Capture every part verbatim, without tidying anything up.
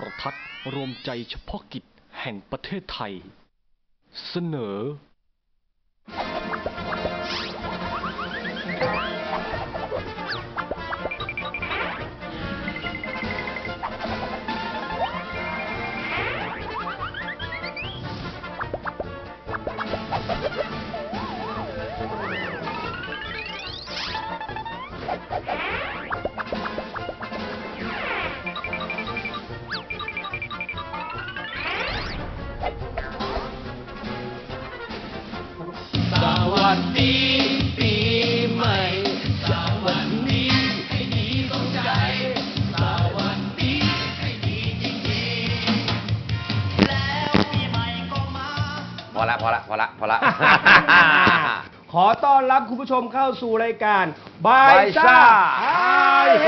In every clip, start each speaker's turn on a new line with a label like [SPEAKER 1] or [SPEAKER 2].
[SPEAKER 1] รทัศน์รวมใจเฉพาะกิจแห่งประเทศไทยเสนอ
[SPEAKER 2] สวัสดีปีใหม่สวัสดีให้ดีสมใจสวัสดีให้ดีจริงๆแล้วปีใหม่ก็มาพอละพอละพอละพอละ
[SPEAKER 3] ขอต้อนรับคุณผู้ชมเข้าสู่รายการบายซ่าไฮเฮ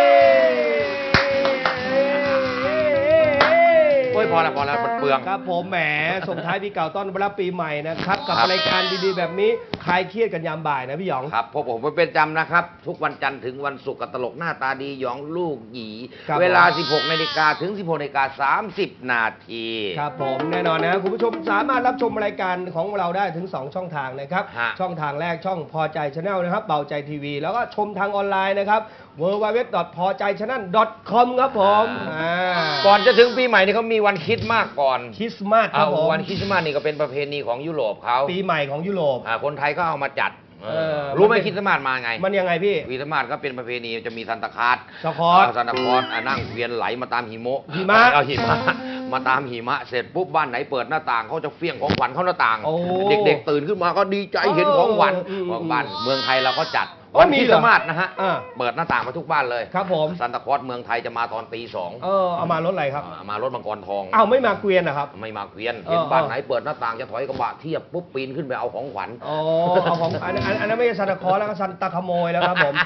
[SPEAKER 2] โอ้ยพอละพอละมันเปลือง
[SPEAKER 3] ครับผมแหมส่งท้ายปีเก่าต้อนรับปีใหม่นะครับกับรายการดีๆแบบนี้คลายเครียดกันยามบ่ายนะพี่หยอง
[SPEAKER 2] ครับพบผมเป็นจำนะครับทุกวันจันทร์ถึงวันศุกร์กับตลกหน้าตาดีหยองลูกหยีเวลา สิบหกนาฬิกา ถึง สิบหกนาฬิกาสามสิบ นาที
[SPEAKER 3] ครับผมแน่นอนนะครับคุณผู้ชมสามารถรับชมรายการของเราได้ถึงสองช่องทางนะครับช่องทางแรกช่องพอใจชาแนลนะครับเบาใจทีวีแล้วก็ชมทางออนไลน์นะครับ ดับเบิลยู ดับเบิลยู ดับเบิลยู ดอท พอใจชาแนล ดอท คอม ครับผม
[SPEAKER 2] ก่อนจะถึงปีใหม่นี่เขามีวันคริสต์มาสก่อน
[SPEAKER 3] คริสต์มาสครับผม
[SPEAKER 2] วันคริสต์มาสนี่ก็เป็นประเพณีของยุโรปเขา
[SPEAKER 3] ปีใหม่ของยุโรป
[SPEAKER 2] คนไทยก็เอามาจัดรู้ไหมคริสต์มาสมาไง
[SPEAKER 3] มันยังไงพี่
[SPEAKER 2] คริสต์มาสก็เป็นประเพณีจะมีซันตาคลอส
[SPEAKER 3] ซันตาคลอส
[SPEAKER 2] ซันตาคลอสนั่งเวียนไหลมาตามหิมะ
[SPEAKER 3] หิมะ
[SPEAKER 2] เอาหิมะมาตามหิมะเสร็จปุ๊บบ้านไหนเปิดหน้าต่างเขาจะเฟี้ยงของขวัญเข้าหน้าต่างเด็กๆตื่นขึ้นมาก็ดีใจเห็นของขวัญของบ้านเมืองไทยเราก็จัดวันคริสต์มาสนะฮะเปิดหน้าต่างมาทุกบ้านเลย
[SPEAKER 3] ครับผม
[SPEAKER 2] ซันตาคลอสเมืองไทยจะมาตอนตีสอง
[SPEAKER 3] เออเอามารถอะไรครับ
[SPEAKER 2] มารถมังกรทอง
[SPEAKER 3] อ้าวไม่มาเกวียนนะครับ
[SPEAKER 2] ไม่มาเกวียนเห็นบ้านไหนเปิดหน้าต่างจะถอยกระบะเทียบปุ๊บปีนขึ้นไปเอาของขวัญ
[SPEAKER 3] อ๋อเอาของอันอันนั้นไม่ใช่ซันตาคลอสแล้วก็ซันตาขโมยแล้วครับผม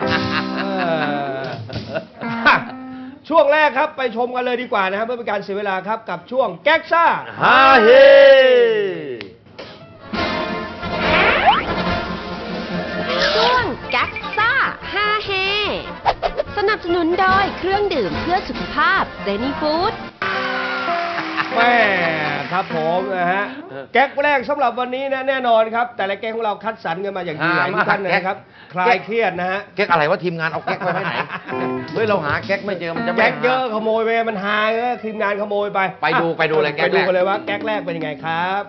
[SPEAKER 3] ช่วงแรกครับไปชมกันเลยดีกว่านะครับเพื่อเป็นการเสียเวลาครับกับช่วงแก๊กซ่า
[SPEAKER 2] ฮาเฮ
[SPEAKER 4] ช่วงแก๊กซ่าฮาเฮสนับสนุนโดยเครื่องดื่มเพื่อสุขภาพเซนีฟู้ด
[SPEAKER 3] แม่ครับผมนะฮะแก๊กแรกสำหรับวันนี้นะแน่นอนครับแต่ละแก๊กของเราคัดสรรกันมาอย่างดีหลายทุกท่านนะครับคลายเครียดนะฮะ
[SPEAKER 2] แก๊กอะไรว่าทีมงานเอาแก๊กไปไว้ไหนเฮ้ยเราหาแก๊กไม่เจอมันจะ
[SPEAKER 3] แก๊กเยอะขโมยไปมันหายเลยทีมงานขโมยไป
[SPEAKER 2] ไปดูไปดูเลยแก๊ก
[SPEAKER 3] ไปดูกันเลยว่าแก๊กแรกเป็นยังไงครับ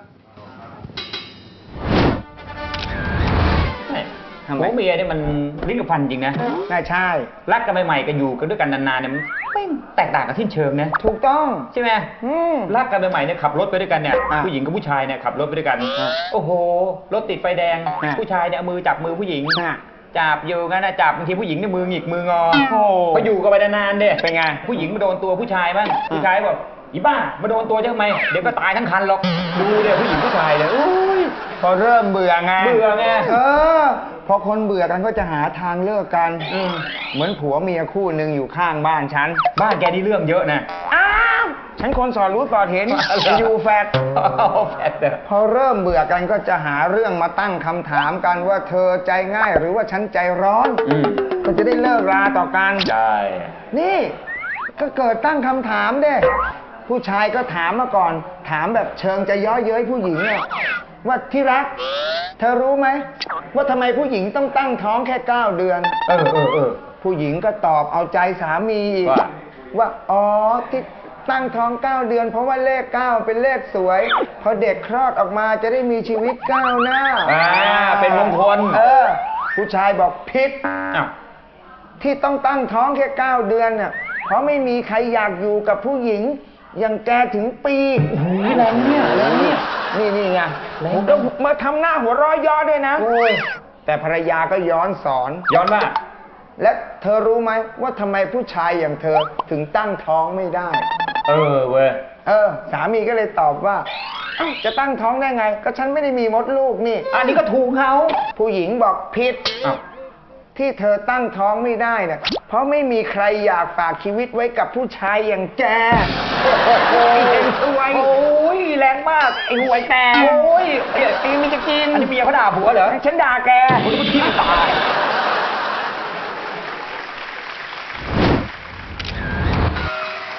[SPEAKER 5] หัวเมียเนี่ยมันลิ้นกับฟันจริงนะ
[SPEAKER 3] ใช่ใช่
[SPEAKER 5] รักกันใหม่ๆกันอยู่กันด้วยกันนานๆเนี่ยมันไม่แตกต่างกันสิ้นเชิงนะ
[SPEAKER 3] ถูกต้อง
[SPEAKER 5] ใช่ไหมรักกันใหม่ๆเนี่ยขับรถไปด้วยกันเนี่ยผู้หญิงกับผู้ชายเนี่ยขับรถไปด้วยกันโอ้โหรถติดไฟแดงผู้ชายเนี่ยมือจับมือผู้หญิงจับอยู่งั้นนะจับบางทีผู้หญิงเนี่ยมือหงิกมืองอพออยู่กันไปนานๆเนี่ยเป็นไงผู้หญิงมาโดนตัวผู้ชายบ้างผู้ชายบอกอีบ้ามาโดนตัวทำไมเดี๋ยวก็ตายทั้งคันหรอกดูเลยผู้หญิงผู้ชายเลยอุ้ย
[SPEAKER 6] พอเริ่มเบื่อไง
[SPEAKER 5] เบื่อไง
[SPEAKER 6] เออพอคนเบื่อกันก็จะหาทางเลิกกันเหมือนผัวเมียคู่หนึ่งอยู่ข้างบ้านฉัน
[SPEAKER 5] บ้านแกนี่เรื่องเยอะนะ
[SPEAKER 6] อ้าวฉันคนสอนรู้สอนเห็นอยู่แฟดพอเริ่มเบื่อกันก็จะหาเรื่องมาตั้งคำถามกันว่าเธอใจง่ายหรือว่าฉันใจร้อนก็จะได้เลิกราต่อกัน
[SPEAKER 5] ใช่
[SPEAKER 6] นี่ก็เกิดตั้งคำถามเด้ผู้ชายก็ถามมาก่อนถามแบบเชิงจะย้อเย้ยผู้หญิงเนี่ยว่าที่รักเธอรู้ไหมว่าทำไมผู้หญิงต้องตั้งท้องแค่เก้าเดือน
[SPEAKER 5] เออเออเออ
[SPEAKER 6] ผู้หญิงก็ตอบเอาใจสามีอีกว่าอ๋อที่ตั้งท้องเก้าเดือนเพราะว่าเลขเก้าเป็นเลขสวยพอเด็กคลอดออกมาจะได้มีชีวิตก้าวหน้า
[SPEAKER 5] อ่าเป็นมงคล
[SPEAKER 6] เออผู้ชายบอกผิดที่ต้องตั้งท้องแค่เก้าเดือนน่ะเพราะไม่มีใครอยากอยู่กับผู้หญิงอย่างแกถึงปี
[SPEAKER 5] โอ้โหแรงเนี่ยแรงเนี่ย
[SPEAKER 6] นี่นี่ไงผมก็มาทำหน้าหัวร้อยย้อนด้วยนะแต่ภรรยาก็ย้อนสอน
[SPEAKER 5] ย้อนว่า
[SPEAKER 6] และเธอรู้ไหมว่าทำไมผู้ชายอย่างเธอถึงตั้งท้องไม่ได้
[SPEAKER 5] เออเว้ย
[SPEAKER 6] เออสามีก็เลยตอบว่าจะตั้งท้องได้ไงก็ฉันไม่ได้มีมดลูกนี่
[SPEAKER 5] อันนี้ก็ถูกเขา
[SPEAKER 6] ผู้หญิงบอกผิดที่เธอตั้งท้องไม่ได้เนี่ยเพราะไม่มีใครอยากฝากชีวิตไว้กับผู้ชายอย่างแก
[SPEAKER 5] โอ้ยสวยโอ้ยแรงมากไอ้ห่วยแต่โอ้ยเดี๋ยวตีมีจะกินอันนี้เมียเขาด่าผัวเหรอ
[SPEAKER 6] ฉันด่าแก
[SPEAKER 5] คุณผู้ที่ตาย
[SPEAKER 3] ลิ้น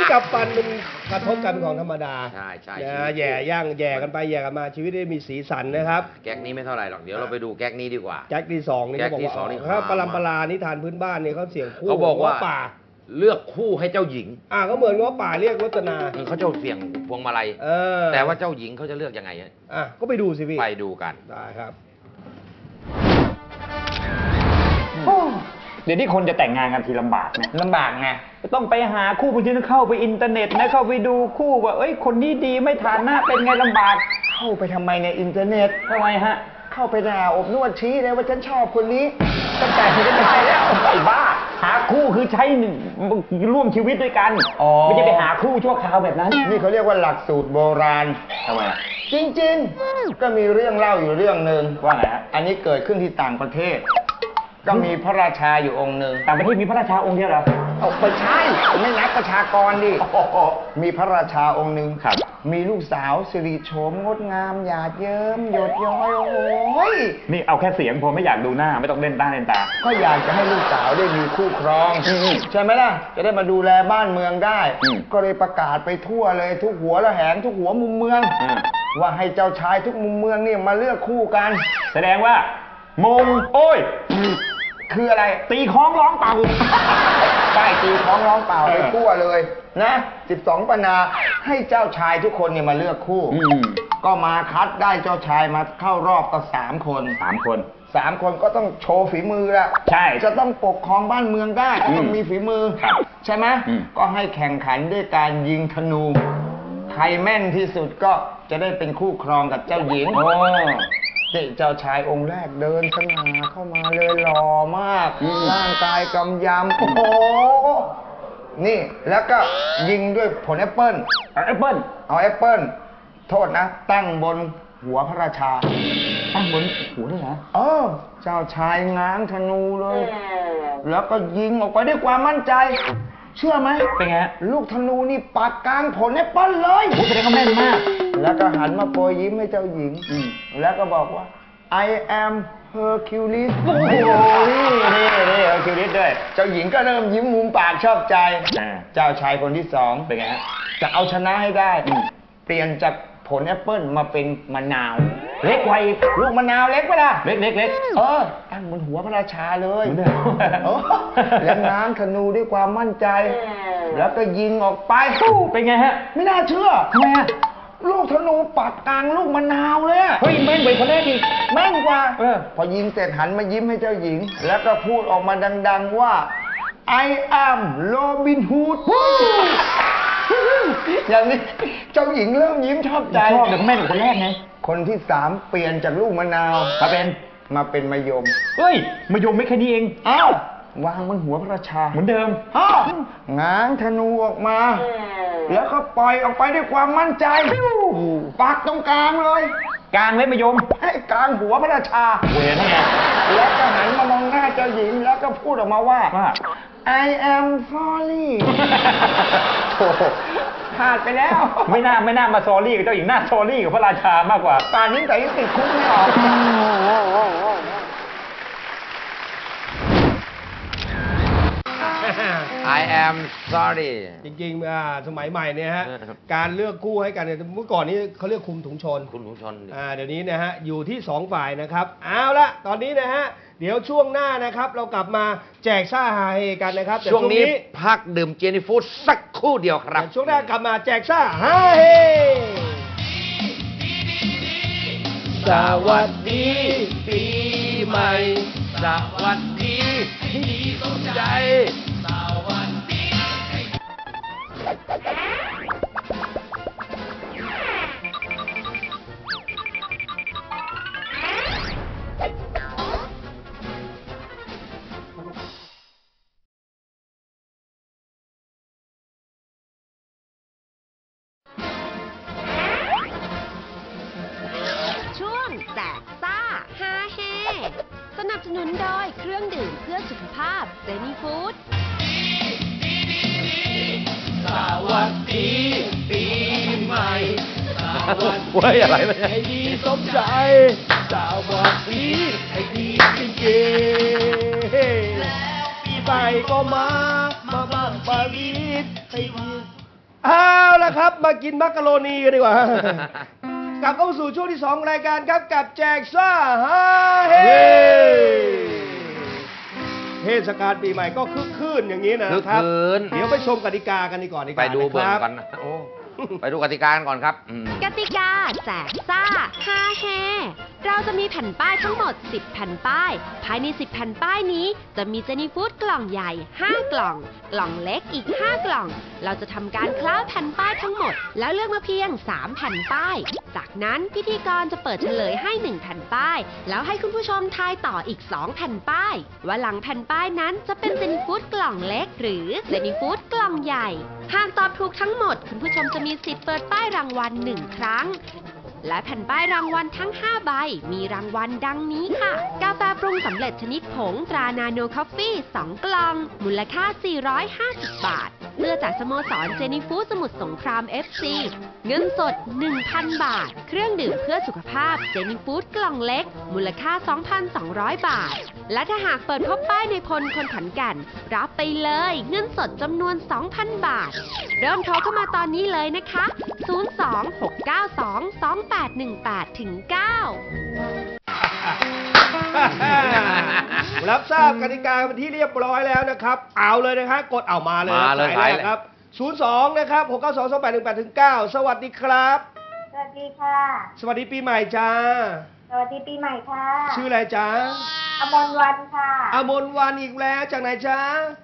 [SPEAKER 3] กับฟันมันกระทบกันเป็นของธรรมดา
[SPEAKER 2] ใช่ใช่
[SPEAKER 3] นะแย่ย่างแย่กันไปแย่กันมาชีวิตได้มีสีสันนะครับ
[SPEAKER 2] แก๊กนี้ไม่เท่าไหร่หรอกเดี๋ยวเราไปดูแก๊กนี้ดีกว่า
[SPEAKER 3] แจ็คที่สองนี่เขาบอก
[SPEAKER 2] แจ็คที่สองนี่
[SPEAKER 3] ว่าถ้า
[SPEAKER 2] หา
[SPEAKER 3] ปรำปรานิทานพื้นบ้านนี่เขาเสียงคู่
[SPEAKER 2] เขาบอกว่า
[SPEAKER 3] ง้ป่า
[SPEAKER 2] เลือกคู่ให้เจ้าหญิง
[SPEAKER 3] อ่าก็เหมือนง้อป่าเรียกรจนา
[SPEAKER 2] อืมเขาจะเสี่ยงพวงมาลัย
[SPEAKER 3] เออ
[SPEAKER 2] แต่ว่าเจ้าหญิงเขาจะเลือกยังไงอะ
[SPEAKER 3] อ่ะก็ไปดูสิพี่
[SPEAKER 2] ไปดูกัน
[SPEAKER 3] ได้ครับ
[SPEAKER 5] เดี๋ยวนี้คนจะแต่งงานกันทีลำบากนะ
[SPEAKER 6] ลำบากไง
[SPEAKER 5] ต้องไปหาคู่บางทีต้องเข้าไปอินเทอร์เน็ตนะเข้าไปดูคู่ว่าเอ้ยคนนี้ดีไม่ฐานหน้าเป็นไงลำบาก
[SPEAKER 6] เข้าไปทำไมในอินเทอร์เน็ต
[SPEAKER 5] ทำไมฮะ
[SPEAKER 6] เข้าไปด่าอบนวดชี้เลยว่าฉันชอบคนนี้
[SPEAKER 5] ตั้งแต่ที่ได้ไปแล้วไอ้บ้า หาคู่คือใช้หนึ่งร่วมชีวิตด้วยกัน
[SPEAKER 6] อ๋อ
[SPEAKER 5] ไม่ใช่ไปหาคู่ชั่วคราวแบบนั้น
[SPEAKER 6] นี่เขาเรียกว่าหลักสูตรโบราณ
[SPEAKER 5] ทำไม
[SPEAKER 6] จริงๆ ก็มีเรื่องเล่าอยู่เรื่องหนึ่ง
[SPEAKER 5] ว่าไงฮะ
[SPEAKER 6] อันนี้เกิดขึ้นที่ต่างประเทศ ก็มีพระราชาอยู่องค์หนึ่ง
[SPEAKER 5] ต่างประเทศมีพระราชาองค์เดียวเหรอ
[SPEAKER 6] เอาไปใช่ไม่นับประชากรดิ มีพระราชาองค์หนึ่ง
[SPEAKER 5] ครับ
[SPEAKER 6] มีลูกสาวสิริโฉมงดงามหยาดเยิ้มหยดย้อยโอ้ย
[SPEAKER 5] นี่เอาแค่เสียงผมไม่อยากดูหน้าไม่ต้องเล่นตาเล่นตา
[SPEAKER 6] ก็อยากจะให้ลูกสาวได้มีคู่ครอง
[SPEAKER 5] อืม
[SPEAKER 6] ใช่ไหมล่ะ จะได้มาดูแลบ้านเมืองได้
[SPEAKER 5] อืม
[SPEAKER 6] ก็เลยประกาศไปทั่วเลยทุกหัวละแหงทุกหัวมุมเมือง
[SPEAKER 5] อ่า
[SPEAKER 6] ว่าให้เจ้าชายทุกมุมเมืองนี่มาเลือกคู่กัน
[SPEAKER 5] แสดงว่ามงโอ้ย
[SPEAKER 6] คืออะไร
[SPEAKER 5] ตีคล้องร้องเป่า
[SPEAKER 6] ป้ายตีของร้องเปล่า
[SPEAKER 5] เออ
[SPEAKER 6] ไปทั่วเลยนะสิบสองปนาให้เจ้าชายทุกคนเนี่ยมาเลือกคู่
[SPEAKER 5] อืม
[SPEAKER 6] ก็มาคัดได้เจ้าชายมาเข้ารอบก็สามคน
[SPEAKER 5] สามคน
[SPEAKER 6] สามคนก็ต้องโชว์ฝีมือละ
[SPEAKER 5] ใช่
[SPEAKER 6] จะต้องปกครองบ้านเมืองได้ก็ต้อง
[SPEAKER 5] อืม
[SPEAKER 6] มีฝีมือ
[SPEAKER 5] ครับ
[SPEAKER 6] ใช่ไหม
[SPEAKER 5] อืม
[SPEAKER 6] ก็ให้แข่งขันด้วยการยิงธนู ใครแม่นที่สุดก็จะได้เป็นคู่ครองกับเจ้าหญิง
[SPEAKER 5] โอ้
[SPEAKER 6] นี่เจ้าชายองค์แรกเดินสง่าเข้ามาเลยหล่อมาก
[SPEAKER 5] อืม
[SPEAKER 6] ร่างกายกำยำโอ้โห นี่แล้วก็ยิงด้วยผลแอปเปิ้ล
[SPEAKER 5] แอปเปิ้ล
[SPEAKER 6] เอาแอปเปิ้ลโทษนะ ตั้งบนหัวพระราชา
[SPEAKER 5] ตั้งบนหัวด้วยเหรอ
[SPEAKER 6] เออ เจ้าชายง้างธนูเลย แล้วก็ยิงออกไปด้วยความมั่นใจ เชื่อไหม
[SPEAKER 5] เป็นไงฮะ
[SPEAKER 6] ลูกธนูนี่ปักกลางผลแอปเปิ้ลเลย
[SPEAKER 5] โอ้แสดงว่าแม่นมาก
[SPEAKER 6] แล้วก็หันมาโปรยยิ้มให้เจ้าหญิง
[SPEAKER 5] อืม
[SPEAKER 6] แล้วก็บอกว่า I am Hercules
[SPEAKER 5] โอ้โหนี่นี่นี่เอาคิวริสด้วย
[SPEAKER 6] เจ้าหญิงก็เริ่มยิ้มมุมปากชอบใจ
[SPEAKER 5] อ่า
[SPEAKER 6] เจ้าชายคนที่สอง
[SPEAKER 5] เป็นไงฮะ
[SPEAKER 6] จะเอาชนะให้ได้
[SPEAKER 5] อืม
[SPEAKER 6] เปลี่ยนจากผลแอปเปิ้ลมาเป็นมะนาว
[SPEAKER 5] เล็กไวอีก
[SPEAKER 6] ลูกมะนาวเล็กไปล่ะ
[SPEAKER 5] เล็กเล็กเล็ก
[SPEAKER 6] เออตั้งบนหัวพระราชาเลย
[SPEAKER 5] เหมือนเดิม
[SPEAKER 6] โอ้แล้วง้างธนูด้วยความมั่นใจ แล้วก็ยิงออกไป
[SPEAKER 5] เป็นไงฮะ
[SPEAKER 6] ไม่น่าเชื่อ
[SPEAKER 5] ทำไมฮะ
[SPEAKER 6] ลูกธนูปักกลางลูกมะนาวเลยอะ
[SPEAKER 5] เฮ้ยแม่นกว่าคนแรกอีก
[SPEAKER 6] แม่นกว่า
[SPEAKER 5] เออ
[SPEAKER 6] พอยิงเสร็จหันมายิ้มให้เจ้าหญิง แล้วก็พูดออกมาดัง ๆว่า I am Robin Hood อย่างนี้เจ้าหญิงเริ่มยิ้มชอบใจ
[SPEAKER 5] ชอบเดี๋ยวแม่นกว่าคนแรกไง
[SPEAKER 6] คนที่สามเปลี่ยนจากลูกมะนาว
[SPEAKER 5] มาเป็น
[SPEAKER 6] มาเป็นมะยม
[SPEAKER 5] เฮ้ยมายมไม่แค่นี้เอง
[SPEAKER 6] อ้าววางบนหัวพระราชา
[SPEAKER 5] เหมือนเดิม
[SPEAKER 6] อ้าวง้างธนูออกมา แล้วก็ปล่อยออกไปด้วยความมั่นใจปักตรงกลางเลย
[SPEAKER 5] กลางเลยมายม
[SPEAKER 6] ให้กลางหัวพระราชา
[SPEAKER 5] เวรนั่นไง
[SPEAKER 6] แล้วก็หันมามองหน้าเจ้าหญิงแล้วก็พูดออกมาว่า
[SPEAKER 5] ว่า
[SPEAKER 6] I am sorry โถ่พลาดไปแล้ว
[SPEAKER 5] ไม่น่าไม่น่ามาซอรี่กับเจ้าหญิงน่าซอรี่กับพระราชามากกว่า
[SPEAKER 6] ป่านนี้แต่ยังติดคุกไม่ออก
[SPEAKER 2] I am sorry
[SPEAKER 3] จริงๆอ่าสมัยใหม่เนี่ยฮะ
[SPEAKER 2] เออ
[SPEAKER 3] การเลือกคู่ให้กันเนี่ยเมื่อก่อนนี้เขาเรียกคุมถุงชน
[SPEAKER 2] คุณผู้ชม
[SPEAKER 3] อ่าเดี๋ยวนี้นะฮะอยู่ที่สองฝ่ายนะครับเอาละตอนนี้นะฮะเดี๋ยวช่วงหน้านะครับเรากลับมาแจกซ่าฮาเฮกันนะครับแต่
[SPEAKER 2] ช่วงนี้พักดื่มเจนี่ฟู้ดสักครู่เดียวครับ
[SPEAKER 3] แต่ช่วงหน้ากลับมาแจกซ่าฮาเฮ
[SPEAKER 2] สวัสดีปีใหม่ สวัสดีที่ดีสมใจ สวัสดี
[SPEAKER 4] ช่วงแจกซ่าฮาเฮสนับสนุนโดยเครื่องดื่มเพื่อสุขภาพเซนีฟู้ด
[SPEAKER 2] สวัสดีปีใหม่สวัส
[SPEAKER 1] เว้ยอะไรวะเนี่ย
[SPEAKER 2] ให้ดีสมใจ สวัสดีให้ดีจริงๆแล้วปีใหม่ก็มา มาบ้างปารีสให้ดี
[SPEAKER 3] เอาละครับ มากินมักกะโรนีกันดีกว่า กลับเข้าสู่ช่วงที่สองรายการครับกับแจกซ่าฮาเฮเทศกาลปีใหม่ก็คึกคืนอย่างนี้นะครับ
[SPEAKER 2] คึกคืน
[SPEAKER 3] เดี๋ยวไปชมกติกากันดีก่อนดีก
[SPEAKER 2] ไป
[SPEAKER 3] ว่า
[SPEAKER 2] ดู
[SPEAKER 3] นะ
[SPEAKER 2] เบิ่
[SPEAKER 3] ค
[SPEAKER 2] ง
[SPEAKER 3] รับ
[SPEAKER 2] กันนะโอ้ไปดูกติกากันก่อนครับอืม
[SPEAKER 4] กติกาแจกซ่าฮาแฮเราจะมีแผ่นป้ายทั้งหมด สิบ แผ่นป้าย ภายใน สิบ แผ่นป้ายนี้ จะมีเจนี่ฟู้ดกล่องใหญ่ ห้า กล่อง กล่องเล็กอีก ห้า กล่อง เราจะทำการคล้าแผ่นป้ายทั้งหมด แล้วเลือกมาเพียง สาม แผ่นป้าย จากนั้นพิธีกรจะเปิดเฉลยให้ หนึ่ง แผ่นป้าย แล้วให้คุณผู้ชมทายต่ออีก สอง แผ่นป้าย ว่าหลังแผ่นป้ายนั้นจะเป็นเจนี่ฟู้ดกล่องเล็ก หรือเจนี่ฟู้ดกล่องใหญ่ หากตอบถูกทั้งหมด คุณผู้ชมจะมีสิทธิ์เปิดป้ายรางวัลหนึ่งครั้ง และแผ่นป้ายรางวัลทั้ง ห้า ใบ มีรางวัลดังนี้ค่ะ กาแฟปรุงสำเร็จชนิดผงตรานาโนคอฟฟี่ สอง กล่อง มูลค่า สี่ร้อยห้าสิบ บาท เสื้อจากสโมสรเจนี่ฟู้ดสมุทรสงคราม เอฟ ซี เงินสด หนึ่งพัน บาท เครื่องดื่มเพื่อสุขภาพเจนี่ฟู้ดกล่องเล็ก มูลค่า สองพันสองร้อย บาท และถ้าหากเปิดพบป้ายในพลคนขอนแก่นรับไปเลย เงินสดจำนวน สองพัน บาท เริ่มโทรเข้ามาตอนนี้เลยนะคะ ศูนย์ สอง หก เก้า สอง สอง แปด หนึ่ง แปด ถึง เก้า
[SPEAKER 3] รับทราบกติกาเป็นที่เรียบร้อยแล้วนะครับ เอาเลยนะครับกดเอามาเลย
[SPEAKER 2] มาเลย
[SPEAKER 3] สายแรกครับ ศูนย์ สอง นะครับ หก เก้า สอง สอง แปด หนึ่ง แปด ถึง เก้า สวัสดีครับ
[SPEAKER 7] สวัสดีค่ะ
[SPEAKER 3] สวัสดีปีใหม่จ้า
[SPEAKER 7] สวัสดีปีใหม่ค่ะ
[SPEAKER 3] ชื่ออะไรจ้า
[SPEAKER 7] อมรวันค่ะ
[SPEAKER 3] อมนวันอีกแล้วจากไหนจ้าน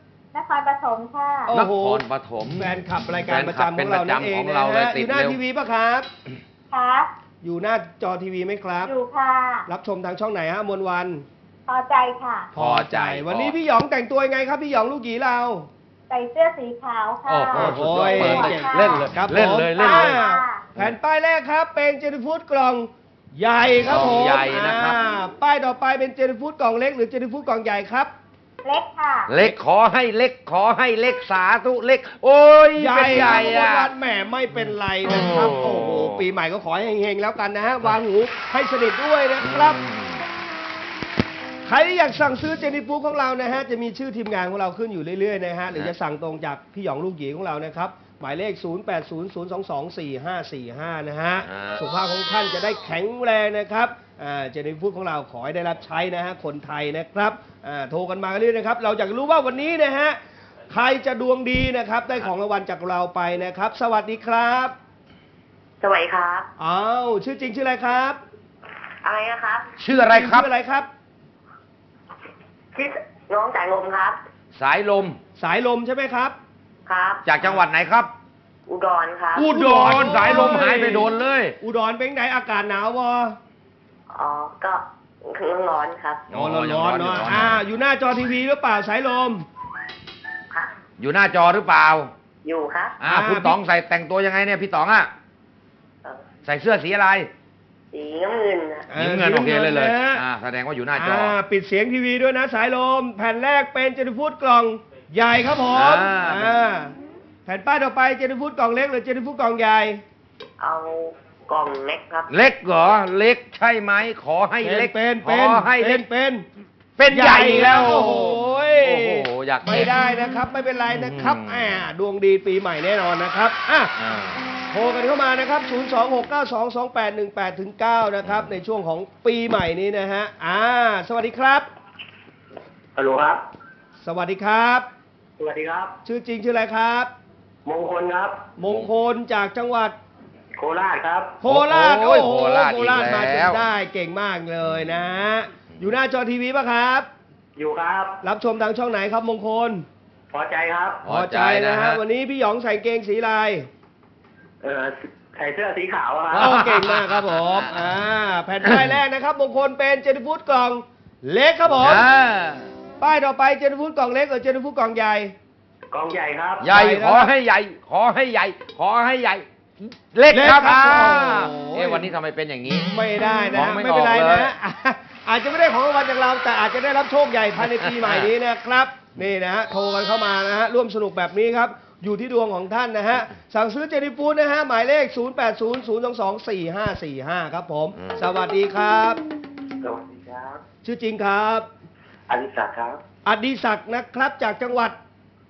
[SPEAKER 7] ครปฐมค่ะ
[SPEAKER 3] โอ้
[SPEAKER 2] น
[SPEAKER 3] โห
[SPEAKER 2] ครปฐม
[SPEAKER 3] แฟนคลับรายการประจำ
[SPEAKER 2] แฟ
[SPEAKER 3] ข
[SPEAKER 2] น
[SPEAKER 3] อง
[SPEAKER 2] คลั
[SPEAKER 3] เรา
[SPEAKER 2] บ
[SPEAKER 3] นั่นเอง
[SPEAKER 2] เป็นประจำของ
[SPEAKER 3] นะ
[SPEAKER 2] เราเลย
[SPEAKER 3] ฮะ
[SPEAKER 2] ติ
[SPEAKER 3] อ
[SPEAKER 2] ด
[SPEAKER 3] ยู่หน้า
[SPEAKER 2] เร็ว
[SPEAKER 3] ทีวีปะครับ
[SPEAKER 7] ครับ
[SPEAKER 3] อยู่หน้าจอทีวีไหมครับ
[SPEAKER 7] อยู่ค่ะ
[SPEAKER 3] รับชมทางช่องไหนฮะอมนวัน
[SPEAKER 7] พอใจค่ะ
[SPEAKER 2] พอใจ
[SPEAKER 3] วันนี้พี่หยองแต่งตัวยังไงครับพี่หยองลูกหยีเรา
[SPEAKER 7] ใส่เสื้อสีขาวค่ะ
[SPEAKER 2] โอ้โหสุดยอด
[SPEAKER 3] โอ้
[SPEAKER 2] เปิด
[SPEAKER 3] ย
[SPEAKER 2] เลยเล่นเลย
[SPEAKER 3] ครับ
[SPEAKER 2] เล่น
[SPEAKER 3] ผม
[SPEAKER 2] เลยเล่นเลย
[SPEAKER 3] อ่าแผ่นป้ายแรกครับเป็นเจนฟูดกล่องใหญ่ครับ
[SPEAKER 2] กล่
[SPEAKER 3] ผ
[SPEAKER 2] อง
[SPEAKER 3] ม
[SPEAKER 2] ใหญ่นะครับ
[SPEAKER 3] อ่าป้ายต่อไปเป็นเจนฟูดกล่องเล็กหรือเจนฟูดกล่องใหญ่ครับ
[SPEAKER 7] เล็กค่ะ
[SPEAKER 2] เล็กขอให้เล็กขอให้เล็กสาธุเล็ก โอ้ย
[SPEAKER 3] ใหญ่
[SPEAKER 2] เป็นใหญ่
[SPEAKER 3] ครับ
[SPEAKER 2] อะ
[SPEAKER 3] วันแหมไม่เป็นไรนะครับ
[SPEAKER 2] โอ้
[SPEAKER 3] โอ้โหปีใหม่ก็ขอให้เฮงๆแล้วกันนะฮะวางหูให้สนิทด้วยนะครับ ใครที่อยากสั่งซื้อเจนี่ฟูดของเรานะฮะจะมีชื่อทีมงานของเราขึ้นอยู่เรื่อยๆนะฮะหรือจะสั่งตรงจากพี่หยองลูกหยีของเรานะครับหมายเลข ศูนย์ แปด ศูนย์ ศูนย์ สอง สอง สี่ ห้า สี่ ห้า นะฮะ
[SPEAKER 2] อ่า
[SPEAKER 3] สุขภาพของท่านจะได้แข็งแรงนะครับอ่าเจนี่ฟูดของเราขอให้ได้รับใช้นะฮะคนไทยนะครับอ่าโทรกันมาเรื่อยๆนะครับเราอยากรู้ว่าวันนี้นะฮะใครจะดวงดีนะครับได้ของรางวัลจากเราไปนะครับ สวัสดีครับ
[SPEAKER 7] สวัสดีครับ
[SPEAKER 3] อ้าวชื่อจริงชื่ออะไรครับ
[SPEAKER 7] อะไรนะครับ
[SPEAKER 2] ชื่ออะไรครับ
[SPEAKER 3] ชื่ออะไรครับ
[SPEAKER 7] ชื่อน้องสายลมครับ
[SPEAKER 2] สายลม
[SPEAKER 3] สายลมใช่ไหมครับ
[SPEAKER 7] ครับ
[SPEAKER 2] จากจังหวัดไหนครับ
[SPEAKER 7] อุดรครับ
[SPEAKER 2] อุดรสายลมหายไปโดนเลย
[SPEAKER 3] อุดรเป็นไงอากาศหนาววะ
[SPEAKER 7] อ๋อ ก็ร้อนครับ
[SPEAKER 2] อ๋อ
[SPEAKER 3] ร้อน
[SPEAKER 2] ยัง
[SPEAKER 3] ร้อน
[SPEAKER 2] อยู่
[SPEAKER 3] เนาะ
[SPEAKER 2] ร้อน
[SPEAKER 3] อ่าอยู่หน้าจอทีวีหรือเปล่าสายลม
[SPEAKER 7] ค่ะ
[SPEAKER 2] อยู่หน้าจอหรือเปล่า
[SPEAKER 7] อยู่ครับ
[SPEAKER 2] อ่า
[SPEAKER 3] อ่า
[SPEAKER 2] คุณต๋องใส่แต่งตัวยังไงเนี่ยพี่ต๋องอ่ะ
[SPEAKER 7] เอ่อ
[SPEAKER 2] ใส่เสื้อสีอะไร
[SPEAKER 7] สีน้ำเงินนะ
[SPEAKER 2] สีน้ำเงินโอเคเลยเลย
[SPEAKER 3] นะฮะ
[SPEAKER 2] อ่าแสดงว่าอยู่หน้าจอ
[SPEAKER 3] อ่าปิดเสียงทีวีด้วยนะสายลม แผ่นแรกเป็นเจนฟูดกล่องใหญ่ครับผม
[SPEAKER 2] อ่า
[SPEAKER 3] อ่าแผ่นป้ายต่อไปเจนฟูดกล่องเล็กหรือเจนฟูดกล่องใหญ่
[SPEAKER 7] เอากล่องเล็กครับ
[SPEAKER 2] เล็กเหรอเล็กใช่ไหมขอให้เล็ก
[SPEAKER 3] เป็น
[SPEAKER 2] ข
[SPEAKER 3] เป็น
[SPEAKER 2] อให้
[SPEAKER 3] เป็
[SPEAKER 2] เล็
[SPEAKER 3] น
[SPEAKER 2] ก
[SPEAKER 3] เป็น
[SPEAKER 2] เป็นใหญ่อีกแล้ว
[SPEAKER 3] โอ้โห
[SPEAKER 2] โอ้โหอยาก
[SPEAKER 3] ไม่ได้นะครับไม่เป็นไรนะครับ
[SPEAKER 2] อืม
[SPEAKER 3] อ่าดวงดีปีใหม่แน่นอนนะครับอ่ะ
[SPEAKER 2] อ่า
[SPEAKER 3] โทรกันเข้ามานะครับ ศูนย์ สอง หก เก้า สอง สอง แปด หนึ่ง แปด ถึง เก้า นะครับ ในช่วงของปีใหม่นี้นะฮะ อ่า สวัสดีครับ
[SPEAKER 7] ฮัลโหลครับ
[SPEAKER 3] สวัสดีครับ
[SPEAKER 7] สวัสดีครับ
[SPEAKER 3] ชื่อจริงชื่ออะไรครับ
[SPEAKER 7] มงคลครับ
[SPEAKER 3] มงคลจากจังหวัด
[SPEAKER 7] โคราชครับ
[SPEAKER 3] โคราช
[SPEAKER 2] โอ้ย
[SPEAKER 3] โอ้โห
[SPEAKER 2] โคราช
[SPEAKER 3] โคราช
[SPEAKER 2] อีก
[SPEAKER 3] มาจ
[SPEAKER 2] แล้
[SPEAKER 3] น
[SPEAKER 2] ว
[SPEAKER 3] ได้เก่งมากเลยนะฮะ อยู่หน้าจอทีวีป่ะครับ
[SPEAKER 7] อยู่ครับ
[SPEAKER 3] รับชมทางช่องไหนครับมงคล
[SPEAKER 7] พอใจครับ
[SPEAKER 2] พอใจนะ
[SPEAKER 3] นะ
[SPEAKER 2] ฮะ
[SPEAKER 3] ฮะ วันนี้พี่หยองใส่เกงสีลาย
[SPEAKER 7] เออใส่เสื้อสีขาวอะค
[SPEAKER 3] โอ้
[SPEAKER 7] รับ
[SPEAKER 3] เก่งมากครับผม อ่า แผ่นป้ายแรกนะครับมงคลเป็นเจนฟูดกล่องเล็กครับผม
[SPEAKER 2] อ่า
[SPEAKER 3] ป้ายต่อไปเจนฟูดกล่องเล็กหรือเจนฟูดกล่องใหญ่
[SPEAKER 7] กองใหญ่ครับ
[SPEAKER 2] ใหญ่
[SPEAKER 3] ใหญ่นะ
[SPEAKER 2] ขอให้ใหญ่ ขอให้ใหญ่ ขอให้ใหญ่ เล็ก
[SPEAKER 3] เล็ก
[SPEAKER 2] ครับ
[SPEAKER 3] ครับ
[SPEAKER 2] อ่า
[SPEAKER 3] โอ้โห
[SPEAKER 2] เอ๊ะวันนี้ทำไมเป็นอย่างนี้
[SPEAKER 3] ไม่ได้นะ
[SPEAKER 2] มองไม่
[SPEAKER 3] ไม่เป็นไร
[SPEAKER 2] ออกเลย
[SPEAKER 3] นะอ่ะอาจจะไม่ได้ของรางวัลจากเรา แต่อาจจะได้รับโชคใหญ่ภายในปีใหม่นี้นะครับ นี่นะฮะโทรกันเข้ามานะฮะร่วมสนุกแบบนี้ครับ อยู่ที่ดวงของท่านนะฮะสั่งซื้อเจนี่ฟูดนะฮะหมายเลข ศูนย์ แปด ศูนย์ ศูนย์ สอง สอง สี่ ห้า สี่ ห้า ครับผม
[SPEAKER 2] อืม
[SPEAKER 3] สวัสดีครับ
[SPEAKER 7] สวัสดีครับ
[SPEAKER 3] ชื่อจริงครับ
[SPEAKER 7] อดิศักดิ์ครับ
[SPEAKER 3] อดิศักดิ์นะครับจากจังหวัด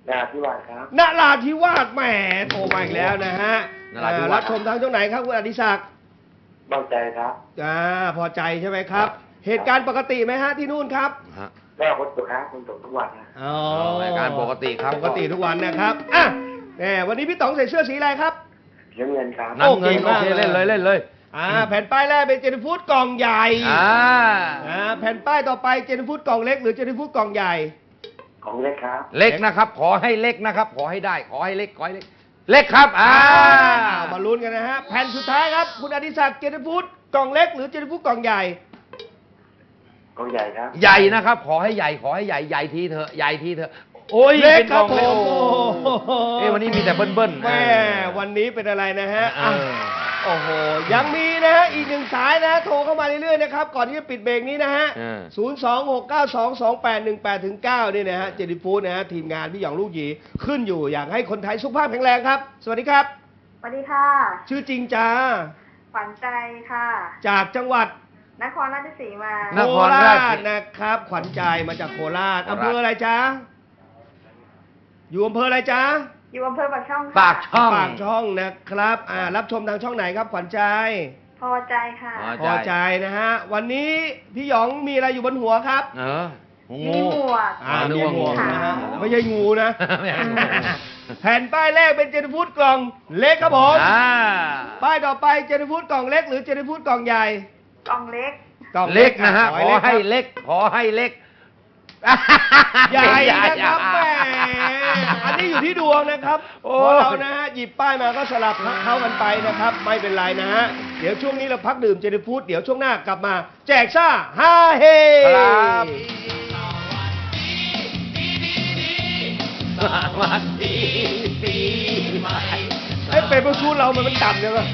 [SPEAKER 7] นาทิวาสครับ
[SPEAKER 3] นราธิวาสแหมโทรมาอีกแล้วนะฮะ
[SPEAKER 5] นราธิวาส
[SPEAKER 3] รับชมทางช่องไหนครับคุณอดิศักดิ์
[SPEAKER 7] เบาใจครับ
[SPEAKER 3] อ่าพอใจใช่ไหมครับ เหตุการณ์ปกติไหมฮะที่นู่นครับ
[SPEAKER 5] ฮะ
[SPEAKER 7] แม่คนตกครับคนตกทุกวันนะ
[SPEAKER 3] อ๋อ
[SPEAKER 5] รายการปกติครับ
[SPEAKER 3] ปกติทุกวันนะครับอ่ะแหมวันนี้พี่ต๋องใส่เสื้อสีอะไรครับ
[SPEAKER 7] เสียเงินครับ
[SPEAKER 5] น้ำเงิน
[SPEAKER 3] โอ
[SPEAKER 5] โอ
[SPEAKER 3] เค
[SPEAKER 5] เคเล่นเลยเล่นเลย
[SPEAKER 3] อ่าแผ่นป้ายแรกเป็นเจนฟูดกล่องใหญ่
[SPEAKER 5] อ่า
[SPEAKER 3] อ่าแผ่นป้ายต่อไปเจนฟูดกล่องเล็กหรือเจนฟูดกล่องใหญ่
[SPEAKER 7] ของเล็กครับ
[SPEAKER 5] เล็กนะครับ ขอให้เล็กนะครับ ขอให้ได้ ขอให้เล็กขอให้เล็ก เล็กครับอ่า
[SPEAKER 3] มาลุ้นกันนะฮะแผ่นสุดท้ายครับคุณอดิศักดิ์เจนฟูดกล่องเล็กหรือเจนฟูดกล่องใหญ่
[SPEAKER 7] ของใหญ่ครับ
[SPEAKER 5] ใหญ่นะครับ ขอให้ใหญ่ขอให้ใหญ่ใหญ่ทีเถอะใหญ่ทีเถอะโอ้ย
[SPEAKER 3] เล็ก
[SPEAKER 5] ป็น
[SPEAKER 3] ครับ
[SPEAKER 5] กล่อง
[SPEAKER 3] ผม
[SPEAKER 5] เล็กโอ้โหเอ้วันนี้มีแต่เบิ้ลเบิ้ล
[SPEAKER 3] แม่วันนี้เป็นอะไรนะฮะ
[SPEAKER 5] เอ
[SPEAKER 3] อ่ะ
[SPEAKER 5] อ
[SPEAKER 3] โอ้โหยังมีนะฮะอีกหนึ่งสายนะฮะโทรเข้ามาเรื่อยๆนะครับก่อนที่จะปิดเบรกนี้นะฮะ
[SPEAKER 5] เออ
[SPEAKER 3] ศูนย์ สอง หก เก้า สอง สอง แปด หนึ่ง แปด ถึง เก้านี่นะฮะเจนิฟูดนะฮะทีมงานพี่หยองลูกหยีขึ้นอยู่อยากให้คนไทยสุขภาพแข็งแรงครับ สวัสดีครับ
[SPEAKER 7] สวัสดีค่ะ
[SPEAKER 3] ชื่อจริงจ้า
[SPEAKER 7] ขวัญใจค่ะ
[SPEAKER 3] จากจังหวัด
[SPEAKER 7] นครราชสีมา
[SPEAKER 5] น
[SPEAKER 3] โค
[SPEAKER 5] คร
[SPEAKER 3] รา
[SPEAKER 5] ราช
[SPEAKER 3] ชนะครับ ขวัญใจมาจากโคราช
[SPEAKER 5] โคราช
[SPEAKER 3] อำเภออะไรจ้าอยู่อำเภออะไรจ้า
[SPEAKER 7] อยู่อำเภอปากช่องค่ะ
[SPEAKER 5] ปากช่อง
[SPEAKER 3] ปากช่องนะครับอ่ารับชมทางช่องไหนครับ ขวัญใจ
[SPEAKER 7] พอใจค่ะ
[SPEAKER 5] พอ
[SPEAKER 3] พอใจนะฮะวันนี้พี่หยองมีอะไรอยู่บนหัวครับ
[SPEAKER 5] เอองู
[SPEAKER 7] มีหมวก
[SPEAKER 3] อ่า
[SPEAKER 5] นึ
[SPEAKER 3] มี
[SPEAKER 5] กว่า
[SPEAKER 3] หมวก
[SPEAKER 5] งู
[SPEAKER 3] นะฮะไม่ใช่งูนะ
[SPEAKER 5] ไม่ใช่งู
[SPEAKER 3] แผ่นป้ายแรกเป็นเจนฟูดกล่องเล็กครับผม
[SPEAKER 5] อ่า
[SPEAKER 3] ป้ายต่อไปเจนฟูดกล่องเล็กหรือเจนฟูดกล่องใหญ่
[SPEAKER 7] กล่องเล็ก
[SPEAKER 3] กล่อง
[SPEAKER 5] เล็กนะฮะ ขอให้
[SPEAKER 3] เล็ก
[SPEAKER 5] เล็ก ขอให้เล็ก
[SPEAKER 3] ใหญ่นะครับแหมอันนี้อยู่ที่ดวงนะครับ
[SPEAKER 5] โอ้
[SPEAKER 3] เพราะเรานะฮะหยิบป้ายมาก็สลับเข้ากันไปนะครับ ไม่เป็นไรนะฮะเดี๋ยวช่วงนี้เราพักดื่มเจนฟูดเดี๋ยวช่วงหน้ากลับมา แจกซ่าฮาเฮ
[SPEAKER 5] ครับ สวัสดีปีใหม่
[SPEAKER 3] ไอ้เป็นประชูเรามันมันต่ำใช่ไหม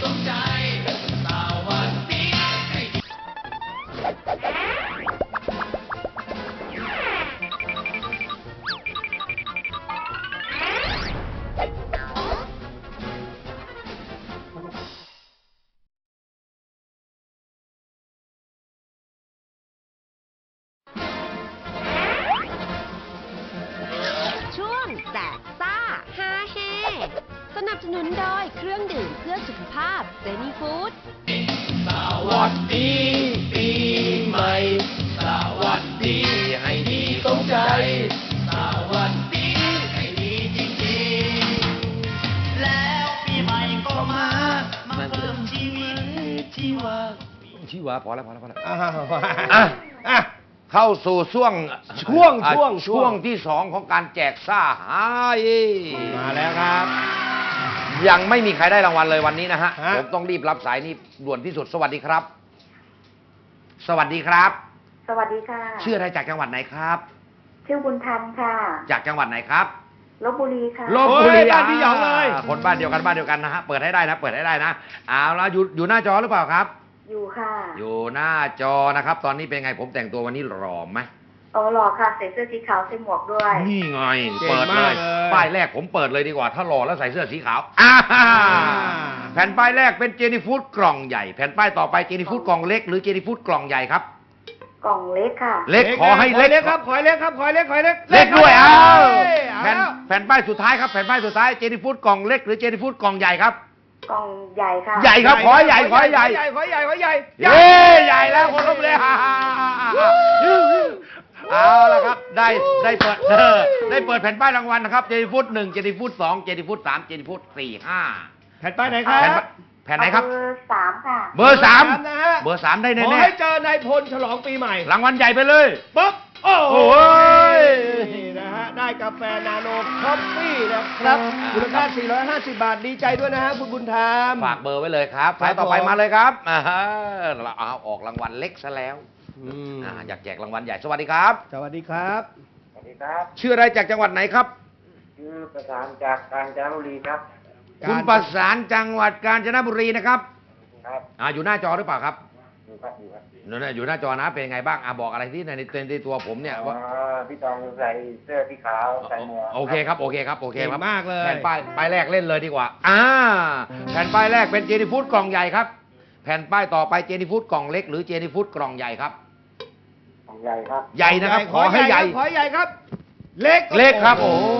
[SPEAKER 4] ช่วงแจกซ่าฮาเฮสนับสนุนโดยเครื่องดื่มเพื่อสุขภาพเจนี่ฟู้ด
[SPEAKER 2] สวัสดีปีใหม่ สวัสดีให้ดีสมใจ สวัสดีให้ดีจริงๆ แล้วปีใหม่ก็มา มาเพิ่มชีวิตชีวา
[SPEAKER 5] ชื่อวะพอแล้วพอแล้วพอแล้ว
[SPEAKER 3] อ้าว
[SPEAKER 5] อ่ะ
[SPEAKER 3] อ่ะ
[SPEAKER 5] เข้าสู่ช่วง
[SPEAKER 3] ช่วง
[SPEAKER 5] อ่ะ
[SPEAKER 3] ช่วง
[SPEAKER 5] ช่วงที่สองของการแจกซ่าหาเฮ
[SPEAKER 3] มาแล้วครับ
[SPEAKER 5] ยังไม่มีใครได้รางวัลเลยวันนี้นะฮะ
[SPEAKER 3] ฮะ
[SPEAKER 5] ผมต้องรีบรับสายนี่ด่วนที่สุด สวัสดีครับ สวัสดีครับ
[SPEAKER 7] สวัสดีค่ะ
[SPEAKER 5] ชื่ออะไรจากจังหวัดไหนครับ
[SPEAKER 7] ชื่อบุญธรรมค่ะ
[SPEAKER 5] จากจังหวัดไหนครับ
[SPEAKER 7] ลบบุรีค่ะ
[SPEAKER 5] ลบบุรี
[SPEAKER 3] โอ้ยบ้านพี่หยองเลย
[SPEAKER 5] าคนบ้านเดียวกันบ้านเดียวกันนะฮะ เปิดให้ได้นะ เปิดให้ได้นะ เอาละอยู่อยู่หน้าจอหรือเปล่าครับ
[SPEAKER 7] อยู่ค่ะ
[SPEAKER 5] อยู่หน้าจอนะครับ ตอนนี้เป็นไงผมแต่งตัววันนี้หล่อไหม
[SPEAKER 7] อ๋อหล่อค่ะ ใส่เสื้อสีขาวใส่หมวกด้วย
[SPEAKER 5] นี่ไง
[SPEAKER 3] เก่ง
[SPEAKER 5] เปิดเล
[SPEAKER 3] มาก
[SPEAKER 5] ย
[SPEAKER 3] เลย
[SPEAKER 5] ป้ายแรกผมเปิดเลยดีกว่า ถ้าหล่อแล้วใส่เสื้อสีขาวอ่าแผ่นป้ายแรกเป็นเจนี่ฟูดกล่องใหญ่ แผ่นป้ายต่อไปเจนี่ฟูดกล่องเล็กหรือเจนี่ฟูดกล่องใหญ่ครับ
[SPEAKER 7] กล่องเล็กค่ะ
[SPEAKER 5] เล็กขอให้เล็ก
[SPEAKER 3] เล็กครับ ขอให้เล็กครับ ขอให้เล็ก ขอให้เล็ก
[SPEAKER 5] เล็กด้วย
[SPEAKER 3] ครั
[SPEAKER 5] อ้า
[SPEAKER 3] บ
[SPEAKER 5] ว
[SPEAKER 3] เอ้ยเอา
[SPEAKER 5] แผ่น
[SPEAKER 3] แล้ว
[SPEAKER 5] แผ่นป้ายสุดท้ายครับแผ่นป้ายสุดท้ายเจนี่ฟูดกล่องเล็กหรือเจนี่ฟูดกล่องใหญ่ครับ
[SPEAKER 7] กล่องใหญ่ค่ะ
[SPEAKER 5] ใหญ่ครับขอให้ใหญ่ขอให้ใหญ่
[SPEAKER 3] ขอให้ใหญ่ขอให้ใหญ่
[SPEAKER 5] เย้ใหญ่แล้วคนลบเลยฮ่าฮ่าฮ่าฮ่าเอาละครับได้ได้เปิดเออได้เปิดแผ่นป้ายรางวัลนะครับเจนี่ฟูดหนึ่งเจนี่ฟูดสองเจนี่ฟูดสามเจนี่ฟูดสี่ห้า
[SPEAKER 3] แผ่นป้ายไหนครับ
[SPEAKER 5] แผ่นป้ายแผ่นไหนครับ
[SPEAKER 7] เบอร์สามค่ะ
[SPEAKER 5] เบอร์สาม
[SPEAKER 3] นะฮะ
[SPEAKER 5] เบอร์สามได้
[SPEAKER 3] ขอ
[SPEAKER 5] แน่
[SPEAKER 3] ให้เจอนายพลฉลองปีใหม่
[SPEAKER 5] ๆรางวัลใหญ่ไปเลย
[SPEAKER 3] ปุ๊บ โอ้โห
[SPEAKER 5] โอ้ย
[SPEAKER 3] นี่นะฮะ ได้กาแฟนาโนคอฟฟี่นะครับมูลค่าสี่ร้อยห้าสิบบาท ดีใจด้วยนะฮะ คุณบุญธรรม
[SPEAKER 5] ฝากเบอร์ไว้เลยครับ
[SPEAKER 3] ครับ
[SPEAKER 5] สายต่อไป
[SPEAKER 3] ผม
[SPEAKER 5] มาเลยครับอ่าฮะเราเอาออกรางวัลเล็กซะแล้ว
[SPEAKER 3] อืม
[SPEAKER 5] อ่าอยากแจกรางวัลใหญ่สวัสดีครับ
[SPEAKER 3] สวัสดีครับ
[SPEAKER 7] สวัสดีครับ
[SPEAKER 5] ชื่ออะไรจากจังหวัดไหนครับ
[SPEAKER 7] ชื่อประสานจากกาญจนบุรีครับ
[SPEAKER 5] คุณประสานจังหวัดกาญจนบุรีนะครับ
[SPEAKER 7] ครับ
[SPEAKER 5] อ่าอยู่หน้าจอหรือเปล่าครับ
[SPEAKER 7] อยู่ครับอยู่ครับ
[SPEAKER 5] นั่นนะอยู่หน้าจอนะเป็นยังไงบ้างอ่ะบอกอะไรที่ในในในตัวผมเนี่ยว่า
[SPEAKER 7] พี่ตองใส่เสื้อสีขาวใส่หมวก
[SPEAKER 5] โอเคครับโอเคครับโอเคครับ
[SPEAKER 3] เก่งมากเลย
[SPEAKER 5] แผ่นป้ายป้ายแรกเล่นเลยดีกว่าอ่าแผ่นป้ายแรกเป็นเจนี่ฟูดกล่องใหญ่ครับแผ่นป้ายต่อไปเจนี่ฟูดกล่องเล็กหรือเจนี่ฟูดกล่องใหญ่ครับ
[SPEAKER 7] ของใหญ่ครับ
[SPEAKER 5] ใหญ่นะครับขอให้ใหญ่
[SPEAKER 3] ขอให้ใหญ่ครับ เล็ก
[SPEAKER 5] เล็กครับโอ้
[SPEAKER 3] โ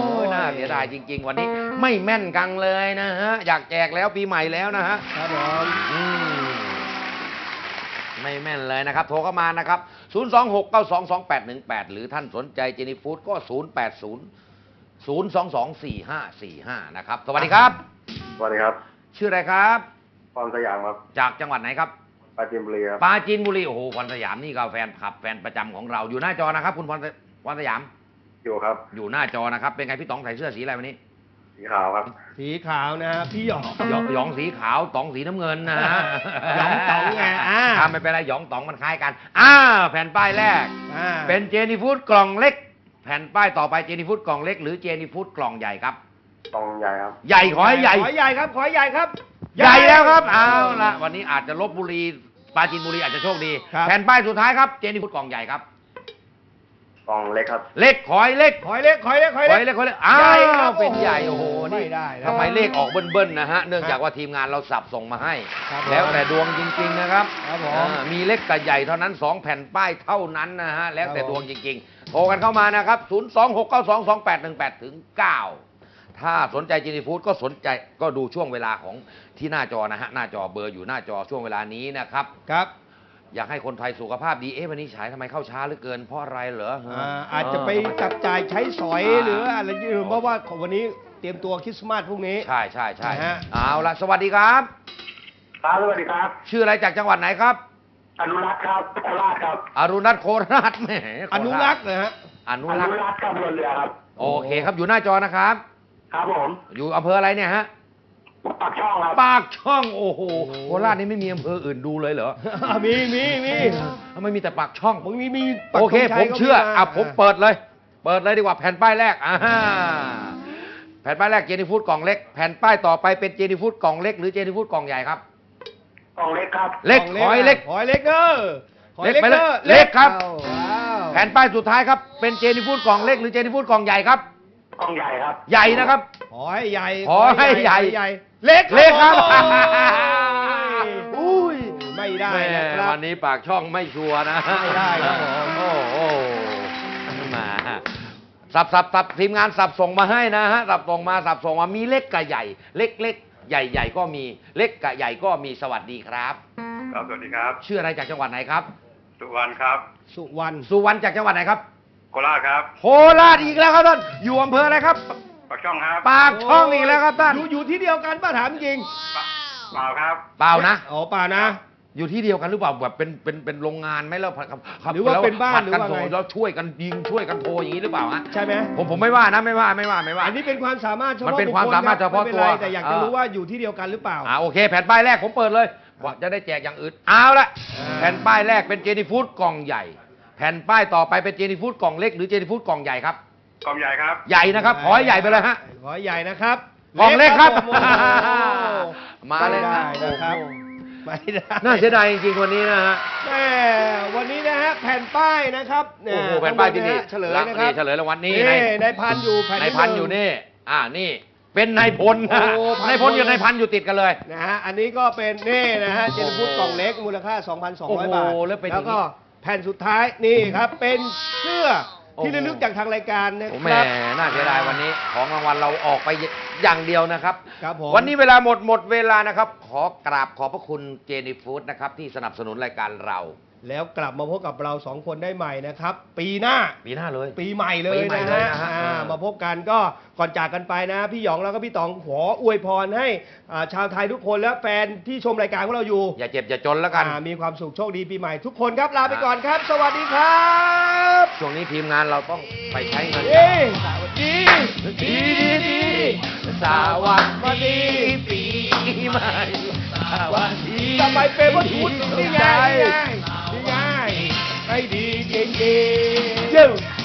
[SPEAKER 2] เสียดายจริง ๆ วันนี้ไม่แม่นกังเลยนะฮะอยากแจกแล้วปีใหม่แล้วนะฮะ
[SPEAKER 3] ครับผม
[SPEAKER 2] อืมไม่แม่นเลยนะครับ โทรเข้ามานะครับ ศูนย์ สอง หก เก้า สอง สอง แปด หนึ่ง แปด หรือท่านสนใจเจนี่ฟู้ดก็ ศูนย์ แปด ศูนย์ ศูนย์ สอง สอง สี่ ห้า สี่ ห้า นะครับ สวัสดีครับ
[SPEAKER 8] สวัสดีครับ
[SPEAKER 2] ชื่ออะไรครับ
[SPEAKER 8] พรสยามครับ
[SPEAKER 2] จากจังหวัดไหนครับ
[SPEAKER 8] ปราจีนบุรีครับ
[SPEAKER 2] ปราจีนบุรี โอ้โหพรสยามนี่ก็แฟนคลับแฟนประจำของเราอยู่หน้าจอนะครับ คุณพรพรสยาม
[SPEAKER 8] อยู่ครับ
[SPEAKER 2] อยู่หน้าจอนะครับ เป็นไงพี่ต๋องใส่เสื้อสีอะไรวันนี้
[SPEAKER 8] สีขาวครับ
[SPEAKER 3] สีขาวนะฮะพี่หยอง
[SPEAKER 2] หยองหยองสีขาวต๋องสีน้ำเงินนะฮะ
[SPEAKER 3] หยองต๋องไงอ่า
[SPEAKER 2] ทำไม่เป็นไรหยองต๋องมันคล้ายกันอ่าแผ่นป้ายแรก
[SPEAKER 3] อ่า
[SPEAKER 2] เป็นเจนี่ฟู้ดกล่องเล็ก แผ่นป้ายต่อไปเจนี่ฟู้ดกล่องเล็กหรือเจนี่ฟู้ดกล่องใหญ่ครับ
[SPEAKER 8] ตองใหญ่ครับ
[SPEAKER 2] ใหญ่ขอให้ใหญ่
[SPEAKER 3] ขอใหญ่ครับ ขอใหญ่ครับ
[SPEAKER 2] ใหญ่แล้วครับเอาละวันนี้อาจจะลบบุรีปราจีนบุรีอาจจะโชคดี
[SPEAKER 3] ครับ
[SPEAKER 2] แผ่นป้ายสุดท้ายครับเจนี่ฟู้ดกล่องใหญ่ครับ
[SPEAKER 8] กองเล็กครับ
[SPEAKER 2] เล็กขอให้เล็ก
[SPEAKER 3] ขอเล็กขอเล็กขอ
[SPEAKER 2] ขอ
[SPEAKER 3] เล็ก
[SPEAKER 2] ให้เล็กขอให้เล็กอ้า
[SPEAKER 3] ใหญ่ครั
[SPEAKER 2] ว
[SPEAKER 3] บ
[SPEAKER 2] เป็นใหญ่โอ้โห
[SPEAKER 3] ไม่
[SPEAKER 2] นี่
[SPEAKER 3] ได้นะ
[SPEAKER 2] ทำไมเลขออกเบิ้ลๆนะฮะเนื่องจากว่าทีมงานเราสับส่งมาให้
[SPEAKER 3] ครับผม
[SPEAKER 2] แล้วแต่ดวงจริง ๆนะครับ
[SPEAKER 3] ครับผม
[SPEAKER 2] อ่ามีเล็กกับใหญ่เท่านั้นสองแผ่นป้ายเท่านั้นนะฮะแล้วแต่
[SPEAKER 3] ครับผม
[SPEAKER 2] ดวงจริงๆโทรกันเข้ามานะครับ ศูนย์ สอง หก เก้า สอง สอง แปด หนึ่ง แปด ถึง เก้า ถ้าสนใจเจนี่ฟู้ดก็สนใจก็ดูช่วงเวลาของที่หน้าจอนะฮะหน้าจอเบอร์อยู่หน้าจอช่วงเวลานี้นะครับ
[SPEAKER 3] ครับ
[SPEAKER 2] อยากให้คนไทยสุขภาพดีเอ๊ะวันนี้ฉายทำไมเข้าช้าเหลือเกินเพราะอะไรเหรอ
[SPEAKER 3] อ่าอาจจะไปจับจ่ายใช้สอยหรืออะไรอย่างอื่นเพราะว่าวันนี้เตรียมตัวคริสต์มาสพรุ่งนี้
[SPEAKER 2] ใช่ใช่ใช่
[SPEAKER 3] นะฮะ
[SPEAKER 2] เอาละสวัสดีครับ
[SPEAKER 8] ครับ สวัสดีครับ
[SPEAKER 2] ชื่ออะไรจากจังหวัดไหนครับ
[SPEAKER 8] อนุรักษ์ครับโคราชครับ
[SPEAKER 2] อรุณรัตน์โคราชแหมโค
[SPEAKER 3] อ
[SPEAKER 2] ราช
[SPEAKER 3] นุรักษ์นะฮะ
[SPEAKER 2] อนุรักษ์
[SPEAKER 8] รักษ์ครับเรือเรือครับ
[SPEAKER 2] โอเคครับอยู่หน้าจอนะครับ
[SPEAKER 8] ครับผม
[SPEAKER 2] อยู่อำเภออะไรเนี่ยฮะ
[SPEAKER 8] ปากช่องครับ
[SPEAKER 2] ปากช่องโอ้โหโคราชนี่ไม่มีอำเภออื่นดูเลยเหรอ
[SPEAKER 3] มีมีมี
[SPEAKER 2] ทำไมมีแต่ปากช่อง
[SPEAKER 3] มึงมีมีปัก
[SPEAKER 2] โอเค
[SPEAKER 3] ธงชั
[SPEAKER 2] ผ
[SPEAKER 3] ย
[SPEAKER 2] ม
[SPEAKER 3] ก็
[SPEAKER 2] เชื่อ
[SPEAKER 3] มา
[SPEAKER 2] อ่ะผมเปิดเลย เปิดเลยดีกว่าแผ่นป้ายแรกอ่าแผ่นป้ายแรกเจนี่ฟู้ดกล่องเล็กแผ่นป้ายต่อไปเป็นเจนี่ฟู้ดกล่องเล็กหรือเจนี่ฟู้ดกล่องใหญ่ครับ
[SPEAKER 8] กองเล็กครับ
[SPEAKER 2] เล็กขอให้เล็ก
[SPEAKER 3] ขอให้เล็กเด้อขอให้
[SPEAKER 2] เล็กไปเลย
[SPEAKER 3] ด้อ
[SPEAKER 2] เล็กครับ
[SPEAKER 3] อ้าวว้าว
[SPEAKER 2] แผ่นป้ายสุดท้ายครับเป็นเจนี่ฟู้ดกล่องเล็กหรือเจนี่ฟู้ดกล่องใหญ่ครับ
[SPEAKER 8] กองใหญ่ครับ
[SPEAKER 2] ใหญ่นะครับ
[SPEAKER 3] ขอให้ใหญ่
[SPEAKER 2] ขอให้ใหญ่
[SPEAKER 3] ใหญ่ เล็ก
[SPEAKER 2] เล็กครับ
[SPEAKER 3] โอ้ยไม่ได้นะค
[SPEAKER 2] แม่
[SPEAKER 3] รับ
[SPEAKER 2] วันนี้ปากช่องไม่ชัวร์นะ
[SPEAKER 3] ไม่ได้ครับผม
[SPEAKER 2] โอ้โหมาสับสับสับทีมงานสับส่งมาให้นะฮะสับส่งมาสับส่งมามีเล็กกับใหญ่ เล็กเล็กใหญ่ใหญ่ก็มีเล็กกับใหญ่ก็มีสวัสดีครับ
[SPEAKER 8] ครับ สวัสดีครับ
[SPEAKER 2] ชื่ออะไรจากจังหวัดไหนครับ
[SPEAKER 8] สุวรรณครับ
[SPEAKER 3] สุวรรณ
[SPEAKER 2] สุวรรณจากจังหวัดไหนครับ
[SPEAKER 8] โคราชครับ
[SPEAKER 2] โคราชอีกแล้วครับท่านอยู่อำเภออะไรครับ
[SPEAKER 8] ปากช่องครับ
[SPEAKER 2] ปากช่องอีกแล้วครับท่าน
[SPEAKER 3] อยู่อยู่ที่เดียวกันป้าถามจริง
[SPEAKER 8] เปล่าครับ
[SPEAKER 2] เปล่านะ
[SPEAKER 3] อ๋อเปล่านะ
[SPEAKER 2] อยู่ที่เดียวกันหรือเปล่าแบบเป็นเป็นเป็นโรงงานไหมแล้วครับครับ
[SPEAKER 3] หรือว่า
[SPEAKER 2] แล้ว
[SPEAKER 3] เป็นบ้าน
[SPEAKER 2] ผัดกัน
[SPEAKER 3] หรือว่า
[SPEAKER 2] โทร
[SPEAKER 3] ไง
[SPEAKER 2] แล้วช่วยกันยิงช่วยกันโทรอย่างนี้หรือเปล่าฮะ
[SPEAKER 3] ใช่ไหม
[SPEAKER 2] ผมผมไม่ว่านะไม่ว่าไม่ว่าไม่ว่า
[SPEAKER 3] อันนี้เป็นความสามารถเฉ
[SPEAKER 2] มัน
[SPEAKER 3] พาะ
[SPEAKER 2] เป็น
[SPEAKER 3] บุค
[SPEAKER 2] ความ
[SPEAKER 3] คล
[SPEAKER 2] สามารถ
[SPEAKER 3] คบ
[SPEAKER 2] เฉพาะ
[SPEAKER 3] ไม่ป็น
[SPEAKER 2] ตัว
[SPEAKER 3] ไรแต่อยากจะ
[SPEAKER 2] เออ
[SPEAKER 3] รู้ว่าอยู่ที่เดียวกันหรือเปล่า
[SPEAKER 2] อ่าโอเค แผ่นป้ายแรกผมเปิดเลยว่าจะได้แจกอย่างอื่นเอาละ
[SPEAKER 3] อ่า
[SPEAKER 2] แผ่นป้ายแรกเป็นเจนี่ฟู้ดกล่องใหญ่ แผ่นป้ายต่อไปเป็นเจนี่ฟู้ดกล่องเล็กหรือเจนี่ฟู้ดกล่องใหญ่ครับ
[SPEAKER 8] กองใหญ่ครับ
[SPEAKER 2] ใหญ่นะครับขอให้ใหญ่ไปเลยฮะ
[SPEAKER 3] ขอให้ใหญ่นะครับ
[SPEAKER 2] กล่องเล็กครับ
[SPEAKER 3] ผมโอ้โห
[SPEAKER 2] มาเลย
[SPEAKER 3] ไม่
[SPEAKER 2] นะ
[SPEAKER 3] ได้นะครับไม่ได้
[SPEAKER 2] น่าเสียดายจริงๆวันนี้นะฮะ
[SPEAKER 3] แม่วันนี้นะฮะแผ่นป้ายนะครับเย
[SPEAKER 2] โอ้โหแผ่นป้ายที่นี่
[SPEAKER 3] เฉลยนะครับ
[SPEAKER 2] เฉลยรางวัลนี้
[SPEAKER 3] นี่
[SPEAKER 2] ใน
[SPEAKER 3] ในพันอยู่แผ่น
[SPEAKER 2] ใน
[SPEAKER 3] ที่
[SPEAKER 2] พัน
[SPEAKER 3] หง
[SPEAKER 2] อยู่นี่ อ่า นี่ เป็นนายพลนะ
[SPEAKER 3] โอ้พัน
[SPEAKER 2] นายพลกับนายพันอยู่ติดกันเลย
[SPEAKER 3] นะฮะอันนี้ก็เป็นนี่นะฮะเจนฟูดกล่องเล็กมูลค่า สองพันสองร้อย
[SPEAKER 2] โอ้โห
[SPEAKER 3] บาท
[SPEAKER 2] แล้วเป็นอย่างนี้
[SPEAKER 3] ก็แผ่นสุดท้ายนี่ครับ เป็นเสื้อที่
[SPEAKER 2] โอ้โห
[SPEAKER 3] ระลึกจากทางรายการนะ
[SPEAKER 2] โอ้
[SPEAKER 3] ค
[SPEAKER 2] แหม่
[SPEAKER 3] รับ
[SPEAKER 2] น่าเสียดายวันนี้ของรางวัลเราออกไปอย่างเดียวนะครับ
[SPEAKER 3] ครับผม
[SPEAKER 2] วันนี้เวลาหมดหมดเวลานะครับ ขอกราบขอบพระคุณเจนี่ฟู้ดนะครับที่สนับสนุนรายการเรา
[SPEAKER 3] แล้วกลับมาพบกับเราสองคนได้ใหม่นะครับ ปีหน้า
[SPEAKER 2] ปีหน้าเลย
[SPEAKER 3] ปีใหม่เลย
[SPEAKER 2] ปีใหม่
[SPEAKER 3] นะ
[SPEAKER 2] เลย
[SPEAKER 3] ฮะ
[SPEAKER 2] นะฮะ
[SPEAKER 3] อ่า
[SPEAKER 2] เออ
[SPEAKER 3] มาพบกันก็ก่อนจากกันไปนะ พี่หยองแล้วก็พี่ตองขออวยพรให้อ่าชาวไทยทุกคนและแฟนที่ชมรายการของเราอยู่
[SPEAKER 2] อย่าเจ็บอย่าจนแล้วกัน
[SPEAKER 3] อ่ามีความสุขโชคดีปีใหม่ทุกคนครับลาไปก่อนครับ สวัสดีครับ
[SPEAKER 2] ช่วงนี้ทีมงานเราต้องไปใช้เงิน
[SPEAKER 3] เย้สวัสดี
[SPEAKER 2] ดีดีดีสวัสดีปีใหม่สวัสดี
[SPEAKER 3] จะไปเป็นวัตถุนี่ไงนี่ไงนี่ไงให้ดีจริงๆ